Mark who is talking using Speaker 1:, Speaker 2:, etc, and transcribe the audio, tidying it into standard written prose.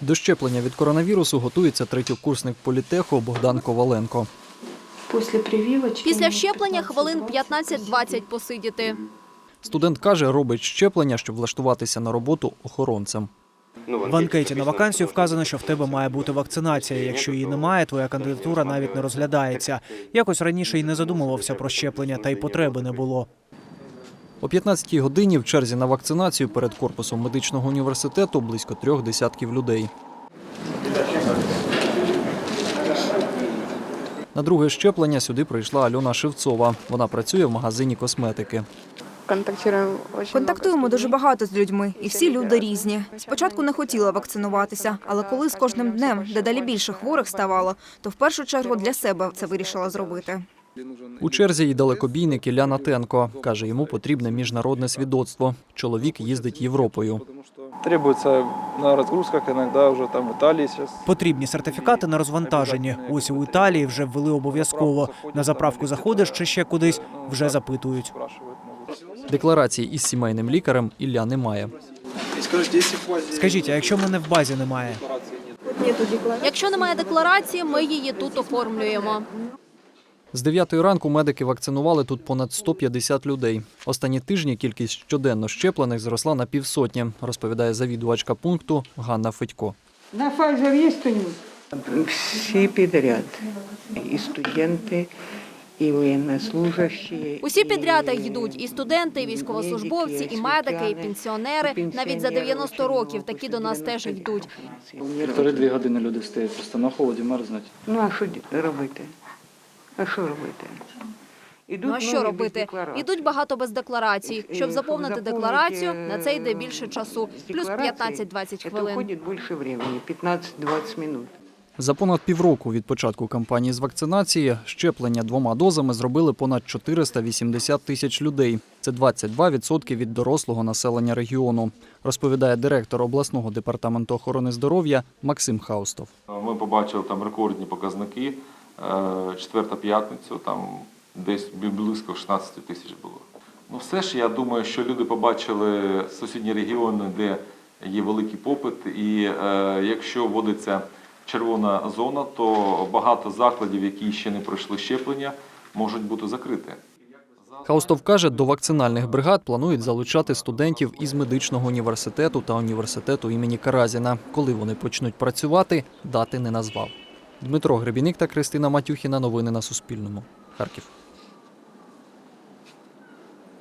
Speaker 1: До щеплення від коронавірусу готується третьокурсник політеху Богдан Коваленко.
Speaker 2: Після щеплення хвилин 15-20 посидіти.
Speaker 1: Студент каже, робить щеплення, щоб влаштуватися на роботу охоронцем.
Speaker 3: В анкеті на вакансію вказано, що в тебе має бути вакцинація. Якщо її немає, твоя кандидатура навіть не розглядається. Якось раніше й не задумувався про щеплення, та й потреби не було.
Speaker 1: О 15-й годині в черзі на вакцинацію перед корпусом медичного університету близько 3 десятків людей. На друге щеплення сюди прийшла Альона Шевцова. Вона працює в магазині косметики.
Speaker 4: Контактуємо дуже багато з людьми, і всі люди різні. Спочатку не хотіла вакцинуватися, але коли з кожним днем дедалі більше хворих ставало, то в першу чергу для себе це вирішила зробити.
Speaker 1: У черзі й далекобійник Ілля Натенко. Каже, йому потрібне міжнародне свідоцтво. Чоловік їздить Європою.
Speaker 5: Требуется на разгрузках, иногда уже там в Италии сейчас.
Speaker 3: Потрібні сертифікати на розвантаженні. Ось у Італії вже ввели обов'язково. На заправку заходиш чи ще кудись, вже запитують.
Speaker 1: Декларації із сімейним лікарем Ілля не має.
Speaker 3: Скажіть, а якщо мене в базі немає?
Speaker 2: Якщо немає декларації, ми її тут оформлюємо.
Speaker 1: З 9-ї ранку медики вакцинували тут понад 150 людей. Останні тижні кількість щоденно щеплених зросла на півсотні, розповідає завідувачка пункту Ганна Федько.
Speaker 6: На Pfizer є хто-нибудь?
Speaker 7: Всі підряд. І студенти, і воєннослужащі.
Speaker 2: Усі підряд йдуть – і студенти, і військовослужбовці, і медики, і пенсіонери. Навіть за 90 років такі до нас теж йдуть.
Speaker 5: 1,5-2 години люди стоять, просто на холоді мерзнуть.
Speaker 7: Ну, а що робити? А що робити?
Speaker 2: Ну а що робити? Ідуть багато без декларацій. Щоб заповнити декларацію, на це йде більше часу. Плюс 15-20 хвилин.
Speaker 7: Уходить більше времени, 15-20 минут.
Speaker 1: За понад півроку від початку кампанії з вакцинації щеплення 2 дозами зробили понад 480 тисяч людей. Це 22% від дорослого населення регіону, розповідає директор обласного департаменту охорони здоров'я Максим Хаустов.
Speaker 8: Ми побачили там рекордні показники. Четверта п'ятницю, там десь близько 16 тисяч було. Ну все ж, я думаю, що люди побачили сусідні регіони, де є великий попит, і якщо вводиться червона зона, то багато закладів, які ще не пройшли щеплення, можуть бути закриті.
Speaker 1: Хаустов каже, до вакцинальних бригад планують залучати студентів із медичного університету та університету імені Каразіна. Коли вони почнуть працювати, дати не назвав. Дмитро Гребіник та Кристина Матюхіна. Новини на Суспільному. Харків.